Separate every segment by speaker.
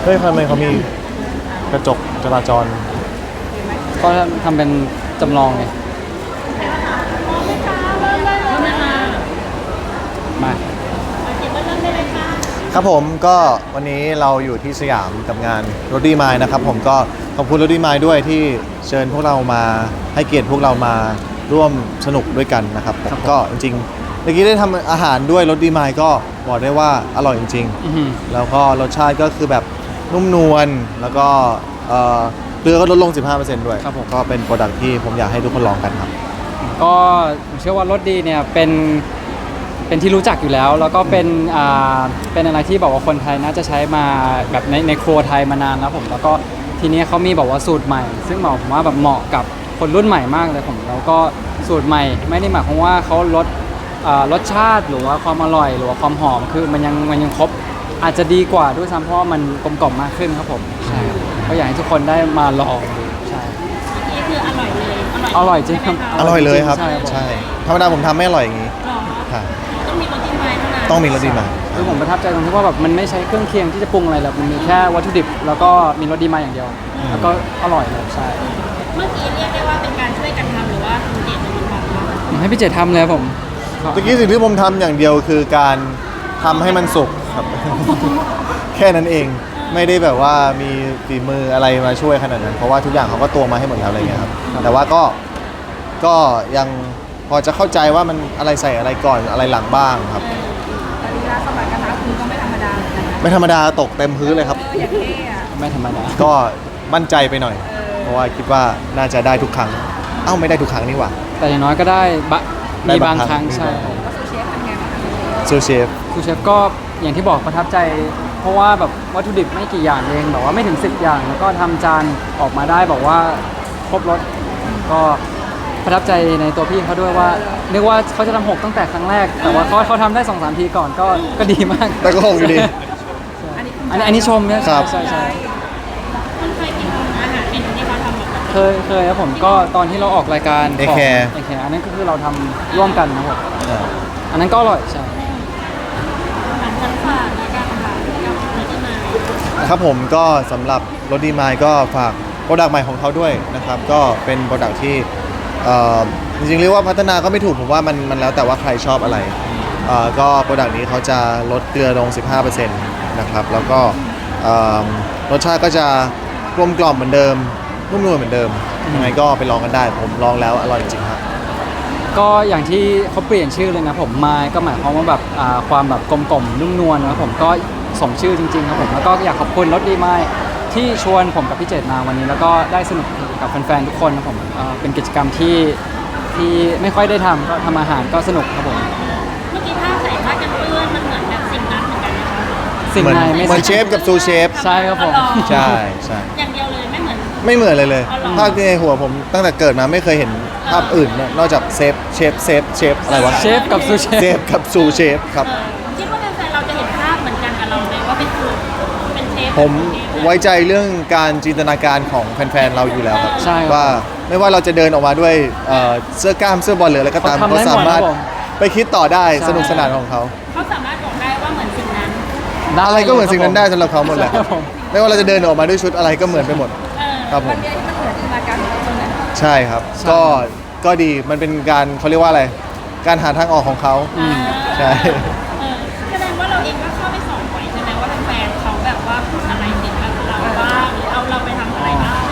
Speaker 1: เฮ้ยทำไมเขามีกระจกจราจร
Speaker 2: ก็ทำเป็นจำลองไงมา
Speaker 1: ครับผมก็วันนี้เราอยู่ที่สยามกับงานรถดีมายนะครับผมก็ขอบคุณรถดีมายด้วยที่เชิญพวกเรามาให้เกียรติพวกเรามาร่วมสนุกด้วยกันนะครับผมก็จริงๆเมื่อกี้ได้ทำอาหารด้วยรถดีมายก็บอกได้ว่าอร่อยจริงๆแล้วก็รสชาติก็คือแบบนุ่มนวลแล้วก็เกลือก็ลดลง 15% ด้วยก็เป็นโปรดักที่ผมอยากให้ทุกคนลองกันครับ
Speaker 2: ก็ผมเชื่อว่ารสดีเนี่ยเป็นที่รู้จักอยู่แล้วแล้วก็เป็นอะไรที่บอกว่าคนไทยน่าจะใช้มาแบบในครัวไทยมานานแล้วผมแล้วก็ทีนี้เขามีบอกว่าสูตรใหม่ซึ่งผมว่าแบบเหมาะกับคนรุ่นใหม่มากเลยผมแล้วก็สูตรใหม่ไม่ได้หมายความว่าเขาลดรสชาติหรือว่าความอร่อยหรือว่าความหอมคือมันยังครบอาจจะดีกว่าด้วยซ้ำเพราะว่ามันกลมกล่อมมากขึ้นครับผมใช่ก็อยากให้ทุกคนได้มาลองดูใช่
Speaker 3: นี่คืออร่อยเลย
Speaker 2: อร่อยจริงครับ
Speaker 1: อร่อยเลยครับใช่ธรรมดาผมทำไม่อร่อยอย่างนี้
Speaker 3: ต้องมีรสดีมายเท่านั้น
Speaker 1: ต้องมีรสดีมาย
Speaker 2: คือผมประทับใจตรงที่ว่าแบบมันไม่ใช้เครื่องเคียงที่จะปรุงอะไรหรอกมันมีแค่วัตถุดิบแล้วก็มีรสดีมายอย่างเดียวแล้วก็อร่อยเลยใช่
Speaker 3: เมื่อกี้เรียกได้ว่าเป็นการช่วยกันทำหรือว่าคุณเจตเป็นคนทำ
Speaker 2: ให้พี่เจตทำเลยผม
Speaker 1: เมื่อกี้สิ่งที่ผมทำอย่างเดียวคือการทำให้มันสุกครับแค่นั้นเองไม่ได้แบบว่ามีฝีมืออะไรมาช่วยขนาดนั้นเพราะว่าทุกอย่างเขาก็ตวงมาให้หมดแล้วอะไรเงี้ยครับแต่ว่าก็ยังพอจะเข้าใจว่ามันอะไรใส่อะไรก่อนอะไรหลังบ้างครับ
Speaker 3: แต่ลีลาสมัยกระทะคุณก็ไม่ธรรมดาเหมือนกันนะ
Speaker 1: ไม่ธรรมดาตกเต็มพื้นเลยครับ
Speaker 3: อย่างเท่อะ
Speaker 2: ไม่ธรรมดา
Speaker 1: ก็มั่นใจไปหน่อยเพราะว่าคิดว่าน่าจะได้ทุกครั้งไม่ได้ทุกครั้งนี่หว่า
Speaker 2: แต่อย่างน้อยก็ได้มีบางครั้งใช่
Speaker 3: ซูเชฟเป็นไงบ้าง
Speaker 1: ซูเชฟ
Speaker 2: ก็อย่างที่บอกประทับใจเพราะว่าแบบวัตถุดิบไม่กี่อย่างเองแบบว่าไม่ถึง10อย่างแล้วก็ทำจานออกมาได้บอกว่าครบรสก็ประทับใจในตัวพี่เขาด้วยว่านึกว่าเขาจะทำ6ตั้งแต่ครั้งแรกแต่ว่าเขาทำได้ 2-3 ทีก่อนก็ดีมาก
Speaker 1: แต่ก็คงอยู่ดี
Speaker 2: อันนี้ชมเนี่ยใช่
Speaker 3: คุณเคยกินอาหารเมนูที่เขาทำแบบ
Speaker 2: เคยครับผมก็ตอนที่เราออกรายการ
Speaker 1: ของ
Speaker 2: AK อันนั้นก็คือเราทำร่วมกันนะครับอันนั้นก็อร่อยใช่
Speaker 1: ครับผมก็สำหรับรถดีมายก็ฝากโปรดักต์ใหม่ของเขาด้วยนะครับก็เป็นโปรดักต์ที่จริงๆเรียกว่าพัฒนาก็ไม่ถูกผมว่ามันแล้วแต่ว่าใครชอบอะไรก็โปรดักต์นี้เขาจะลดเกลือลง 15% นะครับแล้วก็รสชาติก็จะกลมกล่อมเหมือนเดิมนุ่มนวลเหมือนเดิมยังไงก็ไปลองกันได้ผมลองแล้วอร่อยจริงครับ
Speaker 2: ก็อย่างที่เขาเปลี่ยนชื่อเลยนะผมมายก็หมายความว่าแบบความแบบกลมๆนุ่มนวลนะผมก็สมชื่อจริงๆครับผมแล้วก็อยากขอบคุณรถดีมายที่ชวนผมกับพี่เจตมาวันนี้แล้วก็ได้สนุกกับแฟนๆทุกคนนะผมเป็นกิจกรรมที่ไม่ค่อยได้ทำก็ทำอาหารก็สนุกครับผม
Speaker 3: เมื่อกี้ภาพใส่ผ้ากันเปื้อนมันเหมือนแบบสิ่งนั้นเหมือนกันนะคะ
Speaker 2: สิ่งไหนไม่
Speaker 1: เหมือนเชฟกับซูเชฟ
Speaker 2: ใช่ครับผม
Speaker 1: ใช่
Speaker 3: อย่างเดียวเลยไม่เห
Speaker 1: มือนเลยภาพในหัวผมตั้งแต่เกิดมาไม่เคยเห็นภาพอื่นนอกจากเชฟอะไรวะ
Speaker 2: เชฟกับซูเ
Speaker 1: ชฟครับ
Speaker 3: คิดว่าแฟนๆเราจะเห็นภาพเหมือนกันกับเราไหมว่าเป็นเชฟ
Speaker 1: ผมไว้ใจเรื่องการจินตนาการของแฟนๆเราอยู่แล้วครับว่าไม่ว่าเราจะเดินออกมาด้วยเสื้อกล้ามเสื้อบอลหรืออะไรก็ตามเขาสามารถไปคิดต่อได้สนุกสนานของเขา
Speaker 3: สามารถบอกได้ว่าเหมือนสิ่งนั้น
Speaker 1: อะไรก็เหมือนสิ่งนั้นได้สำหรับเขาหมดแหละไม่ว่าเราจะเดินออกมาด้วยชุดอะไรก็เหมือนไปหมดครับผมใช่ครับก็ดีมันเป็นการเขาเรียกว่าอะไรการหาทางออกของเขาใช่
Speaker 3: แสดงว่าเราเองก็เข้าไปสอนบ่อยใช่ไหมว่าแฟนเขาแบบว่าพูดอะไรเกี่ยวกับเราบ้างหรือเอาเราไปทำอะไรบ้าง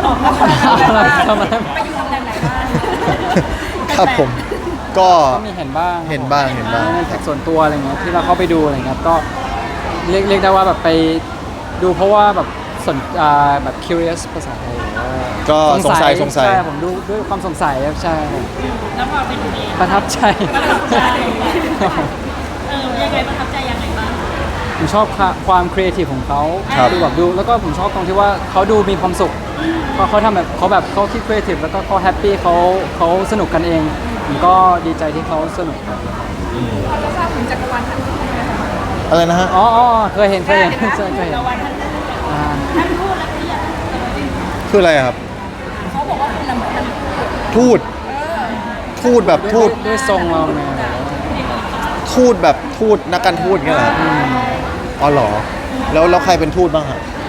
Speaker 3: ไปอยู่ตำแหน่งไหนบ้าง
Speaker 1: ครับผมก็
Speaker 2: มีเห็นบ้าง
Speaker 1: ใน
Speaker 2: แท็กส่วนตัวอะไรเงี้ยที่เราเข้าไปดูอะไรเงี้ยก็เรียกได้ว่าแบบไปดูเพราะว่าแบบแบบ curious ภาษาไทย
Speaker 1: ก็สงสัย
Speaker 2: ใช่ผมดูด้วยความสงสัยใช่
Speaker 3: แล้วพอไปดูเอง
Speaker 2: ประทับใจ
Speaker 3: ยังไงประทับใจยังไงบ้าง
Speaker 2: ผมชอบความครีเอทีฟของเขาดูแบบดูแล้วก็ผมชอบตรงที่ว่าเขาดูมีความสุขเขาทำแบบเขาคิดครีเอทีฟแล้วก็เขาแฮปปี้เขาสนุกกันเองผมก็ดีใจที่เขาสนุกครับ
Speaker 3: เราจะทราบถึงจักรวาลท่านทูตไหมคะ
Speaker 1: อะไรนะฮะ
Speaker 2: อ๋อเคยเห็น
Speaker 3: จักรวาลท่านทูตแล้ว
Speaker 1: คืออะไรครับ
Speaker 3: เขาบอกว่าคุณเหมือน
Speaker 1: ทูตแบบทูต
Speaker 2: ด้วยทรงเราเนี่ย
Speaker 1: ทูตแบบทูตนักการทูตเงี้ยเหรออ๋อเหรอแล้วใครเป็นทูตบ้างครับ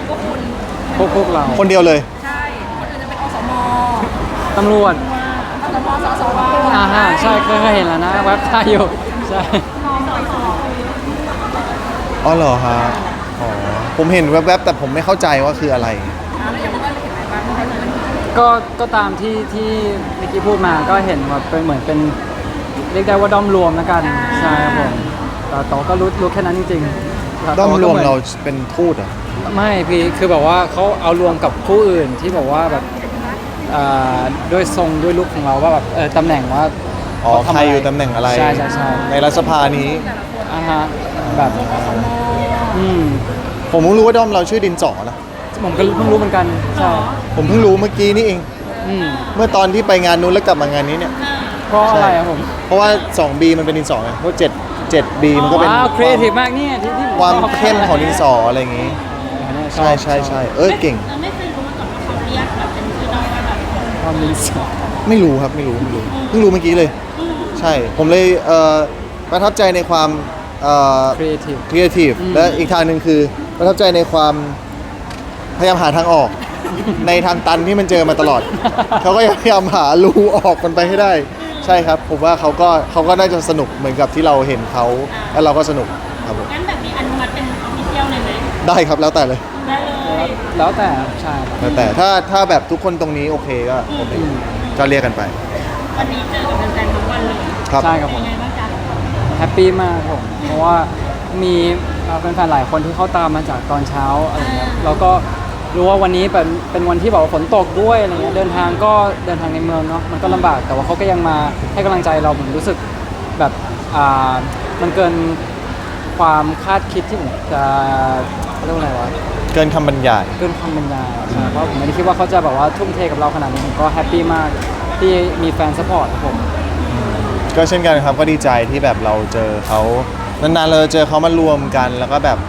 Speaker 2: พวกเรา
Speaker 1: คนเดียวเลย
Speaker 3: ใช่คนอื่นจะเป็นอสม
Speaker 2: ตำรวจ
Speaker 3: อสมสสว
Speaker 2: ใช่เคยเห็นแล้วนะเว็บไซต์อยู่ใช่
Speaker 1: อ๋อเหรอฮะอ๋อผมเห็นแวบๆแต่ผมไม่เข้าใจว่าคืออะไร
Speaker 3: แล้วอย่างเมื่อเห็นอะไรบ้างคะ
Speaker 2: ก็ตามที่เมื่อกี้พูดมาก็เห็นว่าเป็นเหมือนเป็นเรียกได้ว่าด้อมรวมแล้วกันใช่ครับผมแต่ก็รู้แค่นั้นจริงๆแต่
Speaker 1: ด้อมรวม
Speaker 2: ก็หน
Speaker 1: เราเป็นทูตเหรอ
Speaker 2: ไม่พี่คือแบบว่าเขาเอารวมกับผู้อื่นที่บอกว่าแบบด้วยทรงด้วยลุคของเราว่าแบบตำแหน่งว่า
Speaker 1: อ๋อ
Speaker 2: เขาทำ
Speaker 1: ใครอยู่ตำแหน่งอะไร
Speaker 2: ใช่
Speaker 1: ในรัฐสภานี้
Speaker 2: ฮะแบบอืม
Speaker 1: ผมเพิ่งรู้ว่าด้อมเราชื่อดินสอนะ
Speaker 2: ผมก็เพิ่งรู้เหมือนกันใช่
Speaker 1: ผมเพิ่งรู้เมื่อกี้นี่เอง
Speaker 2: อืม
Speaker 1: เมื่อตอนที่ไปงานนู้นแล้วกลับมางานนี้เนี่ย
Speaker 2: เพราะอะไรครับผม
Speaker 1: เพราะว่า 2B มันเป็นดินสอไงเพราะ7B มันก็เป็น
Speaker 2: ว้าวครีเอทีฟมากเนี่ยที่ผม
Speaker 1: ความ
Speaker 2: ชอบ
Speaker 1: เข้มของดินสออะไรอย่างงี้
Speaker 2: ชอบ
Speaker 1: ใช่เก่ง
Speaker 3: เราไม่เคยรู้มาก่อนว่าเขาเรียกแบบเป็นชื่อน้องว่าแบบ
Speaker 2: ความดินสอ
Speaker 1: ไม่รู้ครับไม่รู้เพิ่งรู้เมื่อกี้เลย ใช่ ผมเลยประทับใจในความ
Speaker 2: ครีเอทีฟ
Speaker 1: ครีเอทีฟ
Speaker 2: อืม
Speaker 1: และอีกทางหนึ่งคือประทับใจในความพยายามหาทางออก ในทางตันที่มันเจอมาตลอด เขาก็พยายามหารูออกมันไปให้ได้ ใช่ครับ ผมว่าเขาก็น่าจะสนุกเหมือนกับที่เราเห็นเขาแล้วเราก็สนุกครับผม
Speaker 3: งั้นแบบนี้อนุมัติเป็นออฟฟิเชียลเลยไหม
Speaker 1: ได้ครับแล้วแต่เลย
Speaker 3: ได้เลย
Speaker 2: แล้วแต่ใช่ครับ
Speaker 1: แล้วแต่ถ้าแบบทุกคนตรงนี้โอเคก็โอเคก็เรียกกันไป
Speaker 3: วันนี้เจอกับแฟนๆทุกวันเลย
Speaker 1: ครับ
Speaker 2: ใช่ครับผ
Speaker 3: เป็น
Speaker 2: ม
Speaker 3: ไงบ้างจ๊ะ
Speaker 2: แฮปปี้มากครับผมเพราะว่ามีแฟนๆหลายคนที่เข้าตามมาจากตอนเช้าอะไรเงี้ยแล้วก็รู้ว่าวันนี้เป็นวันที่แบบว่าฝนตกด้วยอะไรเงี้ยเดินทางในเมืองเนาะมันก็ลำบากแต่ว่าเขาก็ยังมาให้กำลังใจเราผมรู้สึกแบบมันเกินความคาดคิดที่ผมจะเรียกว่าอะไรวะ
Speaker 1: เกินคำบรรยาย
Speaker 2: เกินความบรรยายใช่เพราะผมไม่ได้คิดว่าเขาจะแบบว่าทุ่มเทกับเราขนาดนี้ผมก็แฮปปี้มากที่มีแฟนซัพพอร์ตครับผม
Speaker 1: ก็เช่นกันครับก็ดีใจที่แบบเราเจอเขานานๆเราเจอเขามารวมกันแล้วก็แบบ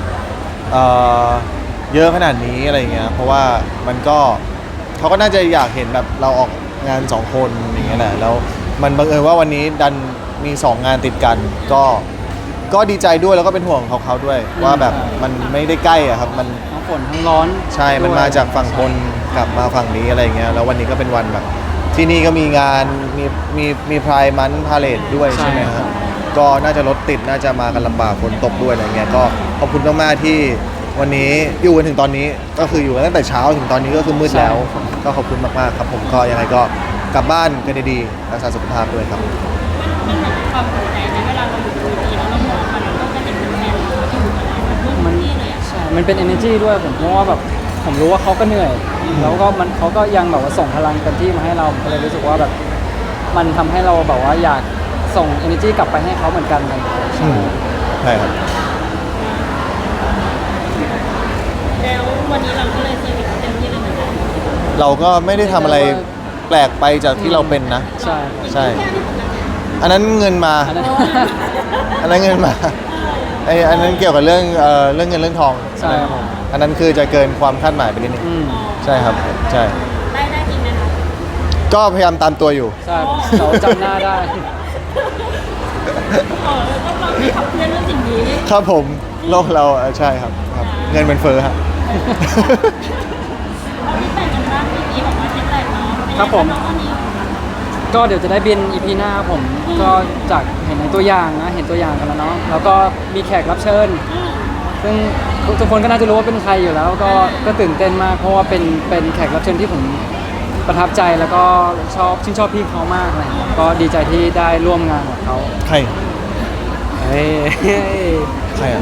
Speaker 1: เยอะขนาดนี้อะไรเงี้ยเพราะว่ามันก็เขาก็น่าจะอยากเห็นแบบเราออกงาน2คนอย่างเงี้ยแหละแล้วมันบังเอิญว่าวันนี้ดันมี2งานติดกันก็ดีใจด้วยแล้วก็เป็นห่วงเขาด้วยว่าแบบมันไม่ได้ใกล้อะครับมัน
Speaker 2: ทั้งฝนทั้งร้อน
Speaker 1: ใช่มันมาจากฝั่งทนกลับมาฝั่งนี้อะไรเงี้ยแล้ววันนี้ก็เป็นวันแบบที่นี่ก็มีงานมีพรายมันพาเลทด้วยใช่ไหมครับก็น่าจะรถติดน่าจะมากันลำบากฝนตกด้วยอะไรเงี้ยก็ขอบคุณมากๆที่วันนี้อยู่กันถึงตอนนี้ก็คืออยู่กันตั้งแต่เช้าถึงตอนนี้ก็คือมืดแล้ว ก็ขอบคุณมากๆครับผมก็ยังไงก็กลับบ้านกันดีๆรักษาสุขภาพด้วยครับ
Speaker 3: มันเหมือนความภูมิใจในเวลาเราอยู่บนเวทีแล้วเรามองมันเราก็จะเห็นแฟนๆเราอยู่กับเราทุกที่เลยอ่ะ
Speaker 2: ใช่มันเป็น energy ด้วยผมเพราะว่าแบบผมรู้ว่าเขาก็เหนื่อย แล้วก็เขาก็ยังแบบว่าส่งพลังเต็มที่มาให้เราผมก็เลยรู้สึกว่าแบบมันทำให้เราแบบว่าอยากส่ง energy กลับไปให้เขาเหมือนกันอะไรอย่างเงี้ยใช่
Speaker 1: ใช่ครับ
Speaker 3: แล้ววันนี้เราก็เลยเซอร์วิสเต็มที่เลยเหมือนกัน
Speaker 1: เราก็ไม่ได้ทำอะไรแปลกไปจากที่เราเป็นนะ
Speaker 2: ใช่
Speaker 1: ใช่ อันนั้นเงินมา
Speaker 2: อันนั้น
Speaker 1: อันนั้นเงินมาอันนั้นเกี่ยวกับเรื่องเรื่องเงินเรื่องทอง
Speaker 2: ใช่ครับผม
Speaker 1: อันนั้นคือจะเกินความคาดหมายไปนิดนึง
Speaker 2: อืม
Speaker 1: ใช่ครับใช่
Speaker 3: ได้จริงไหมคะ
Speaker 1: ก็พยายามตามตัวอยู่
Speaker 2: ใช่เราจำหน้าได้
Speaker 3: ต้องเราขับเคลื่อนเรื่องสิ่งนี้
Speaker 1: ครับผมโลกเราใช่ครับครับ เงินเป็นเฟ้อครับ
Speaker 3: เอาที่แต่งกันบ้างที่นี้บอกว่าที่แต่งเนาะเป็นไง
Speaker 2: ครับผม
Speaker 3: น้องวันนี้
Speaker 2: ก็เดี๋ยวจะได้บิน EP หน้าครับผมก็จากเห็นในตัวอย่างนะเห็นตัวอย่างกันแล้วเนาะแล้วก็มีแขกรับเชิญ ซึ่งทุกคนก็น่าจะรู้ว่าเป็นใครอยู่แล้วก็ตื่นเต้นมากเพราะว่าเป็นแขกรับเชิญที่ผมประทับใจแล้วก็ชื่นชอบพี่เขามากอะไรอย่างเงี้ยก็ดีใจที่ได้ร่วมงานกับเขา
Speaker 1: ใคร
Speaker 2: เฮ้ย
Speaker 1: ใครอ่ะ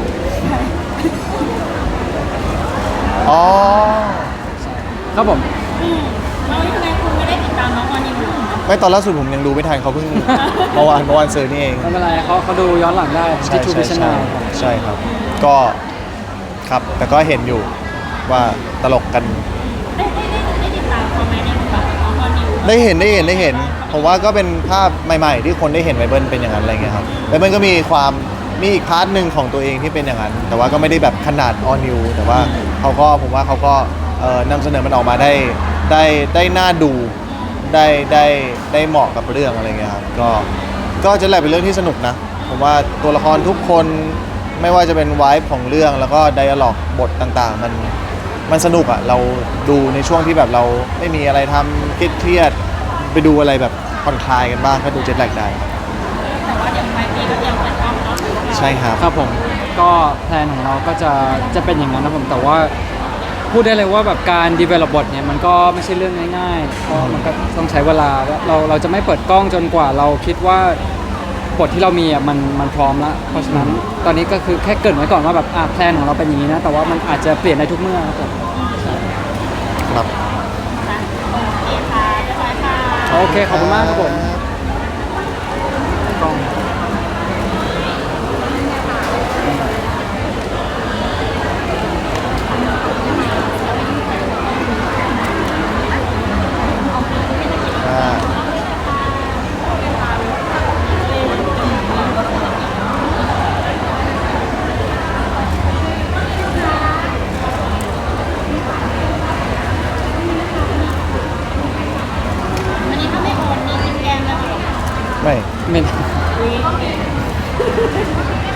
Speaker 1: อ๋อ
Speaker 2: ครับผม
Speaker 3: เราทำไมคุณไม่ได้ติดตามน้องวันนี้อยู่
Speaker 1: ไม่ตอนล่าสุดผมยังดูไม่ทันเขาเพิ่ง เมื่อวานซื้อนี่เอง
Speaker 2: ไม่เป็นไรเขาดูย้อนหลังได้
Speaker 1: ใช่
Speaker 2: ที่ทูบิชนา
Speaker 1: ใช่ครับ ก็ครับแต่ก็เห็นอยู่ว่าตลกกัน
Speaker 3: ได้ติดตามเขาไหมในบทบาทของน้องวันนี้
Speaker 1: ได้เห็นผมว่าก็เป็นภาพใหม่ ๆ ที่คนได้เห็นไบเบิลเป็นอย่างนั้นอะไรเงี้ยครับไบเบิลก็มีอีกพาร์ทหนึ่งของตัวเองที่เป็นอย่างนั้น แต่ว่าก็ไม่ได้แบบขนาดออนิวแต่ว่าผมว่าเขาก็นำเสนอมันออกมาได้น่าดูได้เหมาะกับเรื่องอะไรเงี้ยครับก็จะแหละเป็นเรื่องที่สนุกนะผมว่าตัวละครทุกคนไม่ว่าจะเป็นไวฟ์ของเรื่องแล้วก็ไดอะล็อกบทต่างๆมันสนุกอ่ะเราดูในช่วงที่แบบเราไม่มีอะไรทำเครียดๆไปดูอะไรแบบผ่อนคลายกันบ้างก็ดูเจ็ตแลกได้
Speaker 3: แต่ว่าเดี๋ยวปลายปีก็เตรียมเปิดกล้องเนาะ
Speaker 1: ใช่ครับ
Speaker 2: ครับผมก็แพลนของเราก็จะเป็นอย่างนั้นนะผมแต่ว่าพูดได้เลยว่าแบบการ develop บทเนี่ยมันก็ไม่ใช่เรื่องง่ายๆเพราะมันก็ต้องใช้เวลาเราจะไม่เปิดกล้องจนกว่าเราคิดว่าบทที่เรามีอ่ะมันพร้อมแล้วเพราะฉะนั้นตอนนี้ก็คือแค่เกรินไว้ก่อนว่าแบบแพลนของเราเป็นอย่างนี้นะแต่ว่ามันอาจจะเปลี่ยนได้ทุกเมื่อครับผม
Speaker 1: ครับ
Speaker 3: โอเคค่ะเรียบร้อยค่ะ
Speaker 2: โอเคขอบคุณมากครับผมกล้อง
Speaker 1: อ่า
Speaker 3: อันนี้ถ้าไม่โอนนี่กินแกงเลยเหรอ
Speaker 1: ไม่
Speaker 2: ไม่
Speaker 3: อุ๊ย